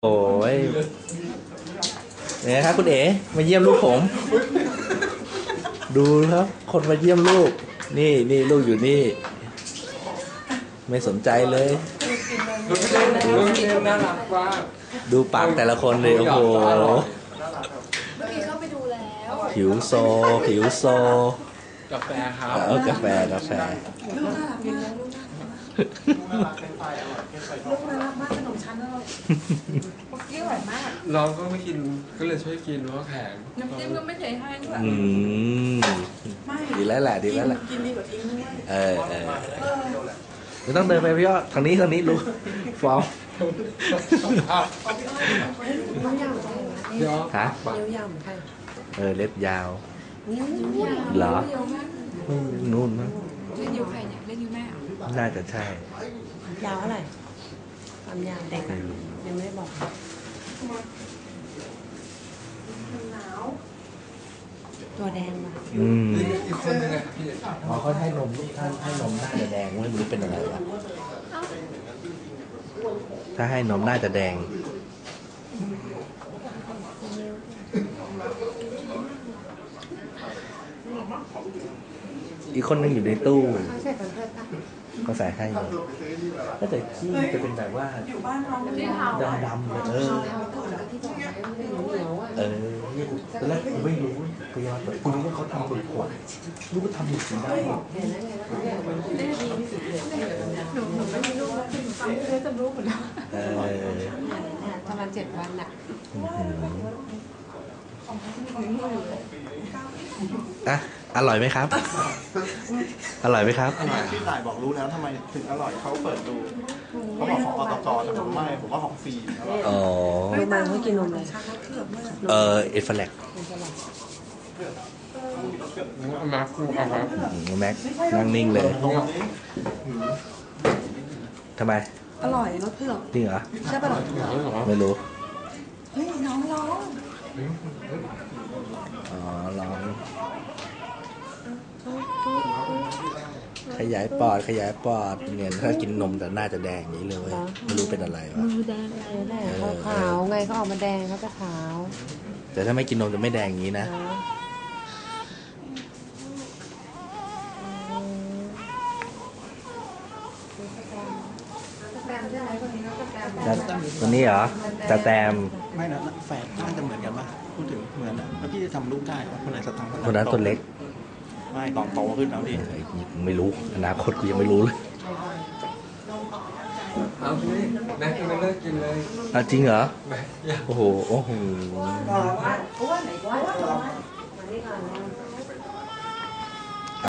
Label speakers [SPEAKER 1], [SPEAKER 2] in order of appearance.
[SPEAKER 1] โอ้ยเนี่ยครับคุณเอ๋มาเยี่ยมลูกผม ดูครับ คนมาเยี่ยมลูก นี่ลูกอยู่นี่ ไม่สนใจเลยดูปากแต่ละคนเลยโอ้โหผิวโซ
[SPEAKER 2] กาแฟครับ
[SPEAKER 1] กาแฟ
[SPEAKER 3] ลูกน่ารักกินแล้วลูกน่ารักลูกน่ารักมากขนมชั้นอร่อยคุกกี้อร่อยมาก
[SPEAKER 2] เราก็ไม่กินก็เลยช่วยกินเพราะแข็ง
[SPEAKER 3] น้ำจิ้มก็ไม่เทให้ด้วย
[SPEAKER 1] ดีแล้วแหละ
[SPEAKER 3] กินดีกว่าทิ้งด้วย
[SPEAKER 1] ไม่ต้องเดินไปพี่ยอดทางนี้ลูกฟอร์มฮะเล็บยาวเหรอนู่นมั้ง
[SPEAKER 3] เล่นยูใครเนี่ยเล่นยูแม่
[SPEAKER 1] น่าจะใช่
[SPEAKER 4] ยาวเท่าไหร่ความยาวเด็กยังไม่ได้บอกตัวแดงว่ะ
[SPEAKER 2] อีกคนนึงอ่ะพี่
[SPEAKER 1] เขาให้นมลูกท่านให้นมน่าจะแดงไม่รู้เป็นอะไรวะถ้าให้นมน่าจะแดงอีกคนนึงอยู่ในตู้ก็ใส่ให้ก็แต่ที่จะเป็นแบบว่าดำเลยนี่ตอนแรกผมไม่รู้พยายามแต่คุณรู้ว่าเขาทำบนขวดรู้ว่าทำบนสีได้
[SPEAKER 3] หนูไม่มีลูกแล้วหนูฟังเพื่อจะรู้หมดแล้ว
[SPEAKER 4] ประมาณ7 วันน่ะ
[SPEAKER 1] อร่อยไหมครับอร่อยไหมครับ
[SPEAKER 5] พี่ต่ายบอกรู้แล้วทำไมถึงอร่อยเขาเปิดดูเขาบอกของอตกแต่ผมไม่ผมว่าของฟรี
[SPEAKER 4] ดูมันเขากินนมเลย
[SPEAKER 1] เอฟเฟลก
[SPEAKER 2] มาคู่เอาครับ
[SPEAKER 1] แม็กนั่งนิ่งเลยทำไม
[SPEAKER 3] อร่อยรสเผือก
[SPEAKER 1] จริงเหรอ
[SPEAKER 3] ใช่ป่ะ
[SPEAKER 1] ไม่รู้
[SPEAKER 3] เฮ้ยน้องร้อง
[SPEAKER 1] ร้องขยายปอดเนี่ยถ้ากินนมแต่น่าจะแดงอย่างนี้เลยไม่รู้เป็นอะไรวะ
[SPEAKER 4] มือแดงอะไรขาวไงเขาออกมาแดงเขาจะขาว
[SPEAKER 1] แต่ถ้าไม่กินนมจะไม่แดงอย่างนี้นะตัวนี้เหรอจะแตม
[SPEAKER 5] ไม่นะแฝดน่าจะเหมือนกันป่ะพูดถึงเหมือนแล้วพี่จะทำลูกได้คนไหนสตังค์
[SPEAKER 1] คนนั้นตัวเล็ก
[SPEAKER 5] ไม่ตอนโตขึ้นแล้วพี่
[SPEAKER 1] ไม่รู้อนาคตกูยังไม่รู้เลย
[SPEAKER 2] เอาพี่แม็กไม่เลิกกินเลย
[SPEAKER 1] จริงเหรอโอ้โห